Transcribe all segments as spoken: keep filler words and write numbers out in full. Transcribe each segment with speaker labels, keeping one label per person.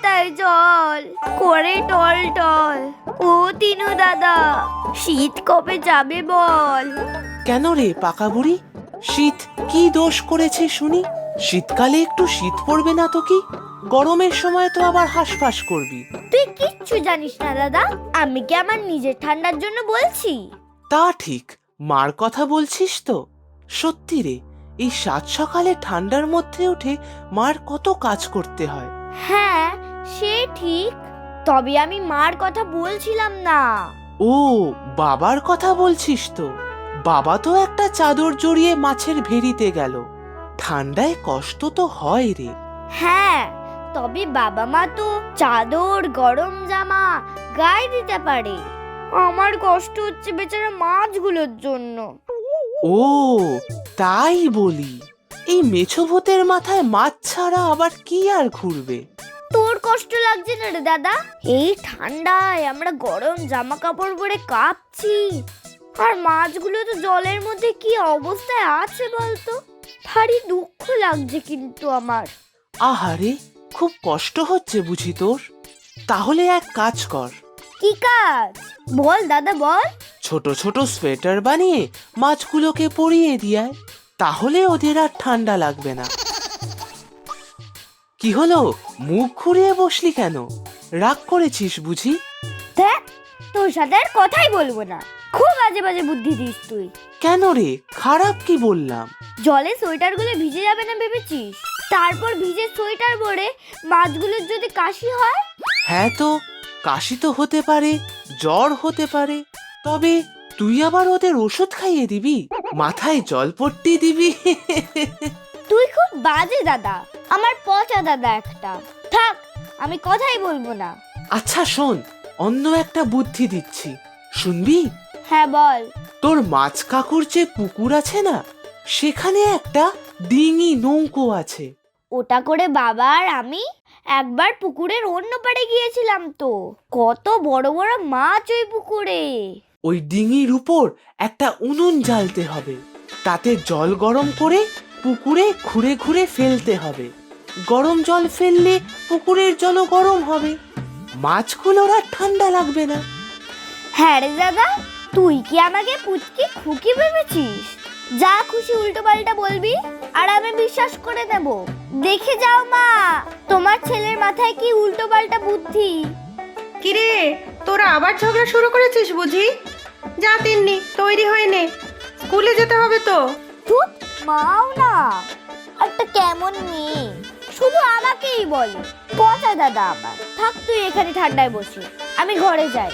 Speaker 1: মাথায় জল করে টল টল। ও তিনু দাদা, শীত কবে যাবে বল?
Speaker 2: কেন রে পাকা বুড়ি, শীত কি দোষ করেছে শুনি? শীতকালে একটু শীত পড়বে না তো কি? গরমের সময় তো আবার হাঁসফাঁস করবি।
Speaker 1: তুই কিচ্ছু জানিস না দাদা, আমি কি আমার নিজের ঠান্ডার জন্য বলছি?
Speaker 2: তা ঠিক, মার কথা বলছিস তো? সত্যি রে, এই সাত সকালে ঠান্ডার মধ্যে উঠে মার কত কাজ করতে হয়।
Speaker 1: হ্যাঁ সে ঠিক, তবে আমি মার কথা বলছিলাম না।
Speaker 2: ও, বাবার কথা বলছিস তো? বাবা তো একটা চাদর জড়িয়ে মাছের ভেড়িতে গেল। ঠান্ডায় কষ্ট তো হয় রে।
Speaker 1: হ্যাঁ, তবে বাবা মা তো চাদর গরম জামা গায়ে দিতে পারে। আমার কষ্ট হচ্ছে বেচারা মাছগুলোর জন্য।
Speaker 2: ও তাই বলি, এই মেছো ভূতের মাথায় মাছ ছাড়া আবার কি আর ঘুরবে?
Speaker 1: তোর কষ্ট লাগছে না রে দাদা? এই ঠান্ডায় আমরা গরম জামা কাপড় পরে কাঁপছি, আর মাছগুলো তো জলের মধ্যে কি অবস্থায় আছে বলতো? ভারী দুঃখ লাগছে কিন্তু আমার।
Speaker 2: আহারে, খুব কষ্ট হচ্ছে বুঝি তোর? তাহলে এক কাজ কর।
Speaker 1: কি কাজ? বল দাদা বল।
Speaker 2: ছোট ছোট সোয়েটার বানিয়ে মাছগুলোকে পরিয়ে দিয়ায়, তাহলে ওদের আর ঠান্ডা লাগবে না। কি হলো, মুখ ঘুরিয়ে বসলি কেন? রাগ করেছিস বুঝি?
Speaker 1: দেখ, তোর সাথে আর কথাই বলবো না। খুব বাজে বাজে বুদ্ধি দিস তুই।
Speaker 2: কেন রে, খারাপ কি বললাম?
Speaker 1: জলে সোয়েটার গুলো ভিজে যাবে না ভেবেছিস? তারপর ভিজে সোয়েটার পরে মাছগুলোর যদি কাশি হয়?
Speaker 2: হ্যাঁ তো, কাশি তো হতে পারে, জ্বর হতে পারে, তবে তুই আবার ওদের ওষুধ খাইয়ে দিবি, মাথায় জলপট্টি দিবি?
Speaker 1: তুই খুব বাজে দাদা, আমার পচা দাদা একটা। থাক, আমি কথাই বলবো না।
Speaker 2: আচ্ছা শোন, অন্য একটা বুদ্ধি দিচ্ছি, শুনবি?
Speaker 1: হ্যাঁ বল।
Speaker 2: তোর মাছ কাকুর যে পুকুর আছে না, সেখানে একটা ডিঙি নৌকো আছে।
Speaker 1: ওটা করে বাবা আর আমি একবার পুকুরের অন্য পাড়ে গিয়েছিলাম তো। কত বড় বড় মাছ ওই পুকুরে।
Speaker 2: ওই ডিঙির উপর একটা উনুন জ্বালতে হবে, তাতে জল গরম করে পুকুরে ঘুরে ঘুরে ফেলতে হবে। গরম জল ফেললে পুকুরের জলও গরম হবে, মাছগুলোর আর ঠান্ডা লাগবে না।
Speaker 1: হ্যাঁ রে দাদা, তুই কি আমাকে পুচকি খুকি ভেবেছিস? যা খুশি উল্টো পাল্টা বলবি আর আমি বিশ্বাস করে নেব। দেখে যাও মা, তোমার ছেলের মাথায় কি উল্টো পাল্টা বুদ্ধি।
Speaker 3: কিরে, তোরা আবার ঝগড়া শুরু করেছিস বুঝি? যা তিন্নি, তৈরি হয়ে নে, স্কুলে যেতে হবে তো।
Speaker 1: ধুৎ, মাও না একটা কেমন মেয়ে, শুধু আমাকেই বলে। পচা দাদা আমার। থাক তুই এখানে ঠান্ডায় বসে, আমি ঘরে যাই।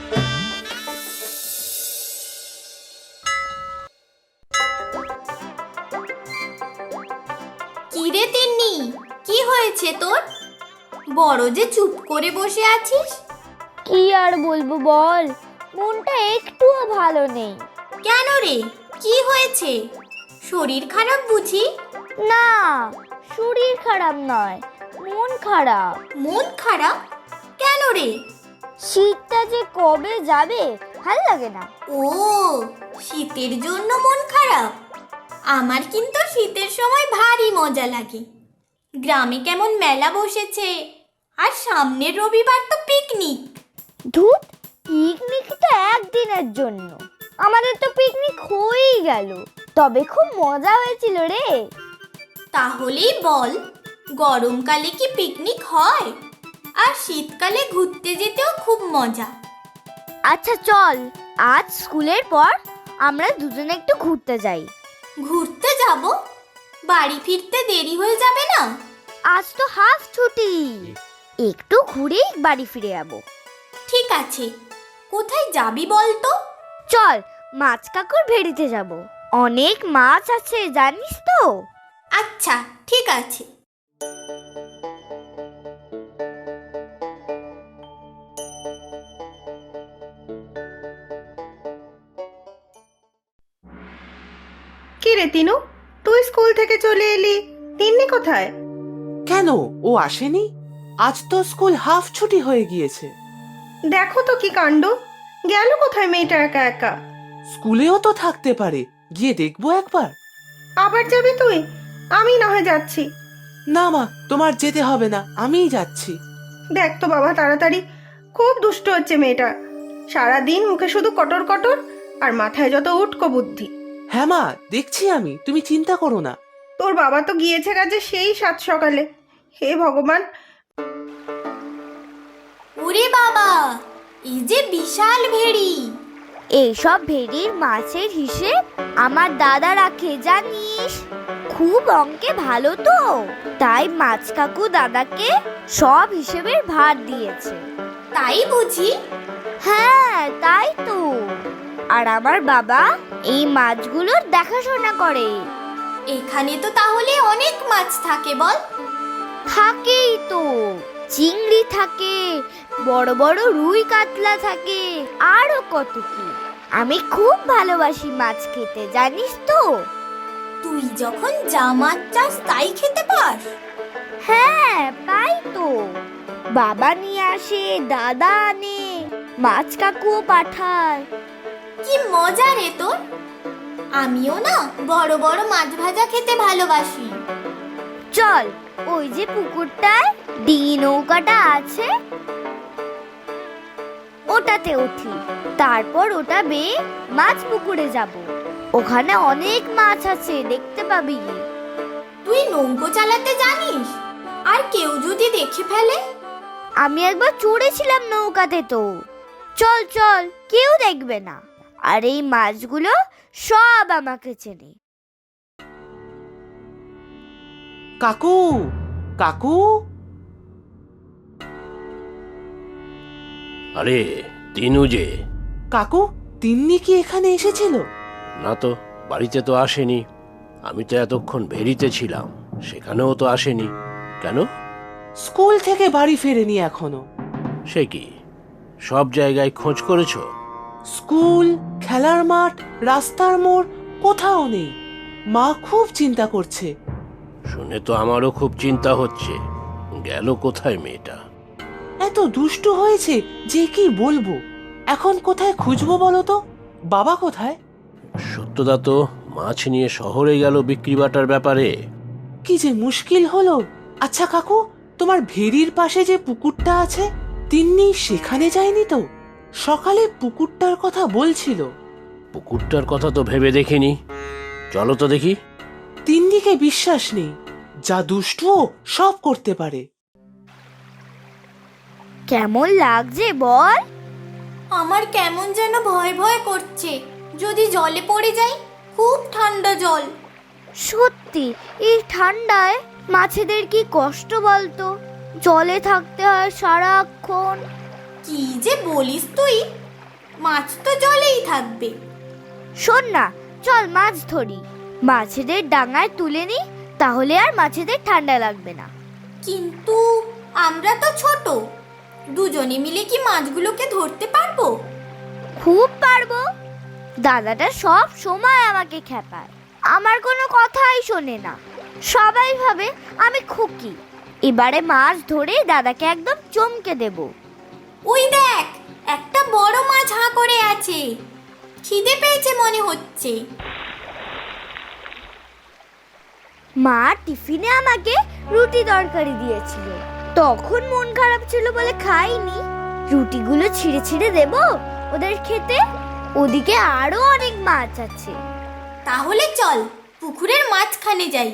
Speaker 4: কিরে তিন্নি, কি হয়েছে তোর? বড় যে চুপ করে বসে আছিস।
Speaker 1: কি আর বলবো বল, মনটা একটুও ভালো নেই।
Speaker 4: কেন রে, কি হয়েছে? শরীর খারাপ বুঝি?
Speaker 1: না, শরীর খারাপ নয়, মন খারাপ।
Speaker 4: মন খারাপ কেন রে?
Speaker 1: শীতটা যে কবে যাবে ভাল লাগে না।
Speaker 4: ও, শীতের জন্য মন খারাপ? আমার কিন্তু শীতের সময় ভারী মজা লাগে। গ্রামে কেমন মেলা বসেছে, আর সামনের রবিবার তো পিকনিক।
Speaker 1: ধুত, পিকনিক তো একদিনের জন্য, আমাদের তো পিকনিক হয়েই গেল। তবে খুব মজা হয়েছিল রে।
Speaker 4: তাহলেই বল, গরমকালে কি পিকনিক হয়? আর শীতকালে ঘুরতে যেতেও খুব মজা।
Speaker 1: আচ্ছা চল, আজ স্কুলের পর আমরা দুজনে একটু ঘুরতে যাই।
Speaker 4: ঘুরতে যাব? বাড়ি ফিরতে দেরি হয়ে যাবে না?
Speaker 1: আজ তো হাফ ছুটি, একটু ঘুরেই বাড়ি ফিরে যাবো।
Speaker 4: ঠিক আছে, কোথায় যাবি বল তো?
Speaker 1: চল, মাছ কাকুর ভেড়িতে যাব, অনেক মাছ আছে জানিস তো।
Speaker 4: আচ্ছা ঠিক আছে।
Speaker 3: কি রে তিনু, তুই স্কুল থেকে চলে এলি, তিন্নি কোথায়?
Speaker 2: কেন, ও আসেনি? আজ তো স্কুল হাফ ছুটি হয়ে গিয়েছে।
Speaker 3: দেখো তো কি কাণ্ড, গেল কোথায় মেয়েটা একা একা?
Speaker 2: স্কুলেও তো থাকতে পারে, গিয়ে দেখবো একবার।
Speaker 3: আবার যাবি তুই? আমি না হয় যাচ্ছি।
Speaker 2: না মা, তোমার যেতে হবে না, আমিই যাচ্ছি।
Speaker 3: দেখ তো বাবা তাড়াতাড়ি, খুব দুষ্ট হচ্ছে মেয়েটা। সারাদিন মুখে শুধু কটর কটর, আর মাথায় যত উটকো বুদ্ধি।
Speaker 2: হ্যাঁ মা, দেখছি আমি, তুমি চিন্তা করো না।
Speaker 3: তোর বাবা তো গিয়েছে কাজে সেই সাত সকালে। হে ভগবান!
Speaker 4: ওরে বাবা, এই যে বিশাল ভেড়ি!
Speaker 1: এইসব ভেড়ির মাছের হিসেব আমার দাদা রাখে জানিস। খুব অঙ্কে ভালো তো, তাই মাছ কাকু দাদাকে সব হিসেবের ভার দিয়েছে।
Speaker 4: তাই বুঝি?
Speaker 1: হ্যাঁ তাই তো। আর আমার বাবা এই মাছগুলোর দেখাশোনা করে।
Speaker 4: এখানে তো তাহলে অনেক মাছ থাকে বল?
Speaker 1: থাকেই তো, চিংড়ি থাকে, বড় বড় রুই কাতলা থাকে, আরো কত কি। আমি খুব ভালোবাসি মাছ খেতে জানিস তো।
Speaker 4: তুই যখন যা মাছ চাস তাই খেতে পাস?
Speaker 1: হ্যাঁ পাই তো। বাবা নিয়ে আসে, দাদা আনে, মাছ কাকুও পাঠায়।
Speaker 4: কি মজা রে তোর! আমিও না বড় বড় মাছ ভাজা খেতে ভালোবাসি।
Speaker 1: চল, ওই যে পুকুরটায় ডিঙি নৌকাটা আছে, ওটাতে উঠি। তারপর ওটা বেয়ে মাছ পুকুরে যাব। ওখানে অনেক মাছ আছে, দেখতে পাবি।
Speaker 4: তুই নৌকো চালাতে জানিস? আর কেউ যদি দেখে ফেলে?
Speaker 1: আমি একবার চড়েছিলাম নৌকাতে তো। চল চল, কেউ দেখবে না। আর এই মাছগুলো সব আমাকে চেনে।
Speaker 2: কাকু, কাকু।
Speaker 5: আরে তিনু যে!
Speaker 2: কাকু, তিন্নি কি এখানে এসেছিল?
Speaker 5: না তো, বাড়িতে তো আসেনি। আমি তো এতক্ষণ ভেরিতে ছিলাম, সেখানেও তো আসেনি। কেন?
Speaker 2: স্কুল থেকে বাড়ি ফেরেনি এখনো।
Speaker 5: সে কি, সব জায়গায় খোঁজ করেছো?
Speaker 2: স্কুল, খেলার মাঠ, রাস্তার মোড়, কোথাও নেই। মা খুব চিন্তা করছে।
Speaker 5: শুনে তো আমারও খুব চিন্তা হচ্ছে। গেল কোথায় মেয়েটা?
Speaker 2: এত দুষ্টু হয়েছে যে কি বলবো। এখন কোথায় খুঁজবো বলো তো? বাবা কোথায়?
Speaker 5: সত্যদা তো মাছ নিয়ে শহরে গেল বিক্রি বাটার ব্যাপারে।
Speaker 2: কি যে মুশকিল হলো। আচ্ছা কাকু, তোমার ভেরির পাশে যে পুকুরটা আছে, তিন্নি সেখানে যায়নি তো? সকালে পুকুরটার কথা বলছিল।
Speaker 5: পুকুরটার কথা তো ভেবে দেখিনি। চলো তো দেখি।
Speaker 2: তিন্নিকে বিশ্বাস নেই, যা দুষ্টুও সব করতে পারে।
Speaker 1: কেমন লাগছে বল?
Speaker 4: আমার কেমন যেন ভয় ভয় করছে। যদি জলে পড়ে যাই? খুব ঠান্ডা জল।
Speaker 1: সত্যি, এই ঠান্ডায় মাছেদের কি কষ্ট বলতো। জলে থাকতে হয় সারাক্ষণ।
Speaker 4: কি যে বলিস তুই! মাছ তো জলেই থাকবে।
Speaker 1: শোন না, চল মাছ ধরি। মাছেদের ডাঙায় তুলে নি, তাহলে আর মাছেদের ঠান্ডা লাগবে না।
Speaker 4: কিন্তু আমরা তো ছোট, দুজনে মিলে কি মাছগুলোকে ধরতে পারবো?
Speaker 1: খুব পারবো। দাদাটা সব সময় আমাকে খেপায়, আমার কোনো কথাই শোনে না। সবাই ভাবে আমি খুকি। এবারে মাছ ধরে দাদাকে একদম চমকে দেব।
Speaker 4: ওই দেখ, একটা বড় মাছ হাঁ করে আছে। খিদে পেয়েছে মনে হচ্ছে।
Speaker 1: মা টিফিনে আমাকে রুটি তরকারি দিয়েছিল, তখন মন খারাপ ছিল বলে খাইনি। রুটিগুলো ছিঁড়ে ছিঁড়ে দেব ওদের খেতে। ওদিকে আরো অনেক মাছ আছে।
Speaker 4: তাহলে চল পুকুরের মাঝখানে যাই।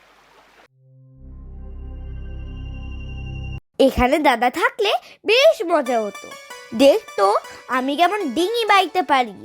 Speaker 1: এখানে দাদা থাকলে বেশ মজা হতো। দেখতো আমি কেমন ডিঙি বাইতে পারি।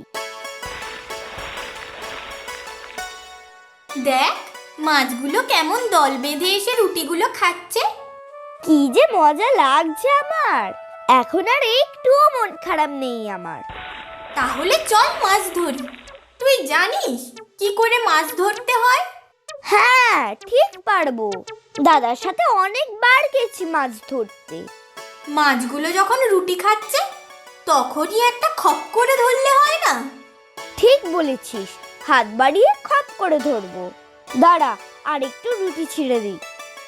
Speaker 4: দেখ, মাছগুলো কেমন দল বেঁধে এসে রুটিগুলো খাচ্ছে।
Speaker 1: কি যে মজা লাগছে আমার। এখন আর একটুও মন খারাপ নেই আমার।
Speaker 4: তাহলে চল মাছ ধরি। তুই জানিস কি করে মাছ ধরতে হয়?
Speaker 1: হ্যাঁ ঠিক পারবো। দাদার সাথে অনেকবার গেছি মাছ ধরতে।
Speaker 4: মাছগুলো যখন রুটি খাচ্ছে তখনই একটা খপ করে ধরলে হয় না?
Speaker 1: ঠিক বলেছিস, হাত বাড়িয়ে খপ করে ধরবো। দাঁড়া, আর একটু রুটি ছিঁড়ে দিই।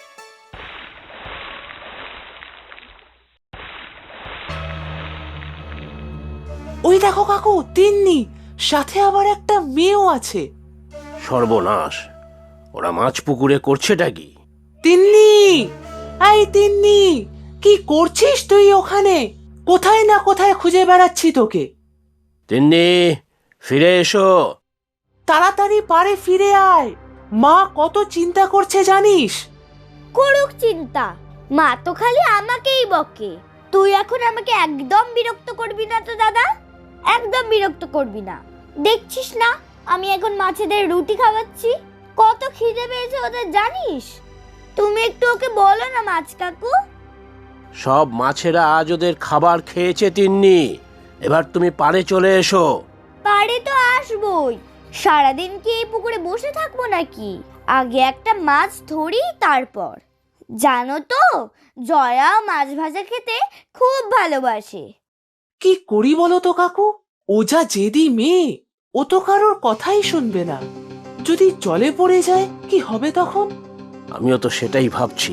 Speaker 2: ওই দেখো কাকু, তিন্নি, সাথে আবার একটা মেয়েও আছে।
Speaker 5: সর্বনাশ! ওরা মাছ পুকুরে করছেটা কি?
Speaker 2: তিন্নি, এই তিন্নি, কি করছিস তুই ওখানে? কোথায় না কোথায় খুঁজে বেড়াচ্ছি তোকে।
Speaker 5: তিন্নি, ফিরে এসো।
Speaker 2: তাড়াতাড়ি পারে ফিরে আয়, মা কত চিন্তা করছে জানিস?
Speaker 1: করুক চিন্তা, মা তো খালি আমাকেই বকে। তুই এখন আমাকে একদম বিরক্ত করবি না তো দাদা, একদম বিরক্ত করবি না। দেখছিস না আমি এখন মাছেদের রুটি খাওয়াচ্ছি, কত খিদে পেয়েছে ওদের জানিস? তুমি একটু ওকে বলো না মাছ কাকু।
Speaker 5: সব মাছেরা আজ ওদের খাবার খেয়েছে তিন্নি, এবার তুমি পাড়ে চলে এসো।
Speaker 1: পারে তো আসবই, সারাদিন কি এই পুকুরে বসে থাকবো নাকি? আগে একটা মাছ ধরি তারপর। জানো তো জয়া মাছ ভাজা খেতে খুব ভালোবাসে।
Speaker 2: কি করি বলো তো কাকু? ও যা জেদি মেয়ে, ও তো কারোর কথাই শুনবে না। যদি জলে পড়ে যায় কি হবে তখন?
Speaker 5: আমিও তো সেটাই ভাবছি।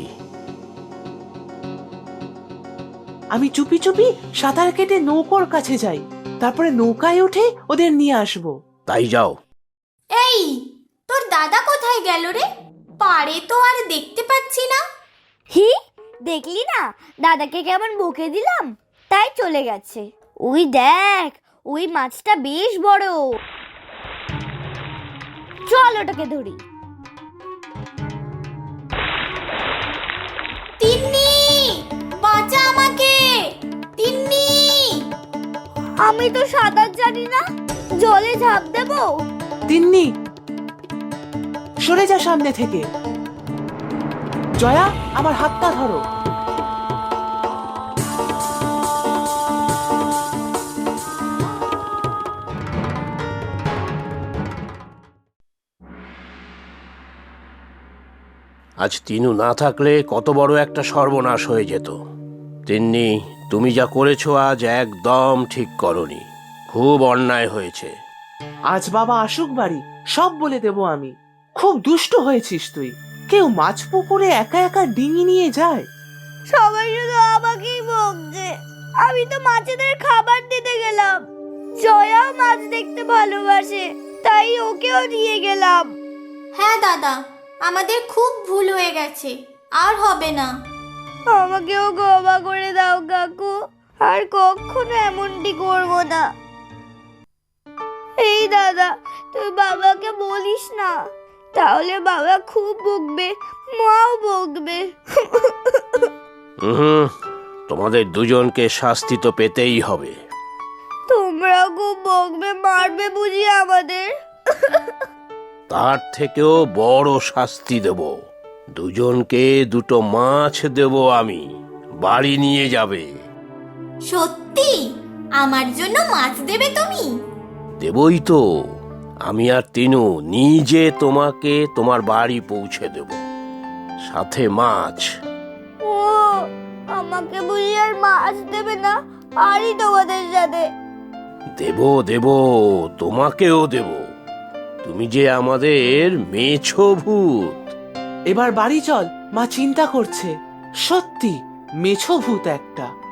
Speaker 2: আমি চুপি চুপি সাঁতার কেটে নৌকোর কাছে যাই, তারপরে নৌকায় উঠে ওদের নিয়ে আসবো।
Speaker 5: তাই যাও।
Speaker 4: এই, তোর দাদা কোথায় গেল রে? পারে তো আর দেখতে পাচ্ছি না।
Speaker 1: হি, দেখলি না দাদাকে কেমন বকে দিলাম, তাই চলে গেছে। ওই দেখ, ওই মাছটা বেশ বড়। চল ওটাকে ধরি।
Speaker 4: তিন্নি, বাঁচা আমাকে। তিন্নি,
Speaker 1: আমি তো সাঁতার জানি না, জলে ঝাঁপ দেবো?
Speaker 2: তিন্নি, সরে যা সামনে থেকে। জয়া, আমার হাতটা ধরো।
Speaker 5: আজ তিনু না থাকলে কত বড় একটা সর্বনাশ হয়ে যেত। তিন্নি, তুমি যা করেছো আজ একদম ঠিক করনি, খুব অন্যায় হয়েছে।
Speaker 2: আজ বাবা আসুক বাড়ি, সব বলে দেব আমি। খুব দুষ্ট হয়েছিস তুই। কেউ মাছ পুকুরে একা একা ডিঙি নিয়ে যায়?
Speaker 1: সবাই শুধু আমাকেই বকছে। আমি তো মাছেদের খাবার দিতে গেলাম, জয়াও মাছ দেখতে ভালোবাসে, তাই ওকেও নিয়ে গেলাম।
Speaker 4: হ্যাঁ দাদা, আমাদের খুব ভুল হয়ে গেছে, আর হবে না।
Speaker 1: আমাকেও ক্ষমা করে দাও কাকু, আর কখনো এমনটি করবো না। এই দাদা, তুই বাবাকে বলিস না, তাহলে বাবা খুব বকবে, মাও বকবে।
Speaker 5: হুম, তোমাদের দুজনকে শাস্তি তো পেতেই হবে।
Speaker 1: তোমরা খুব বকবে, মারবে বুঝি আমাদের?
Speaker 5: তার থেকেও বড় শাস্তি দেব। দুজনকে দুটো মাছ দেব আমি, বাড়ি নিয়ে যাবে।
Speaker 4: সত্যি আমার জন্য মাছ দেবে তুমি?
Speaker 5: দেবই তো। আমি আর তিনু নিজে তোমাকে তোমার বাড়ি পৌঁছে দেব, সাথে মাছ।
Speaker 1: ও, আমাকে বুঝি আর মাছ দেবে না? আরই তোমাদের সাথে।
Speaker 5: দেব দেব, তোমাকেও দেব। তুমি যে আমাদের মেছো ভূত।
Speaker 2: এবার বাড়ি চল, মা চিন্তা করছে। সত্যি মেছো ভূত একটা।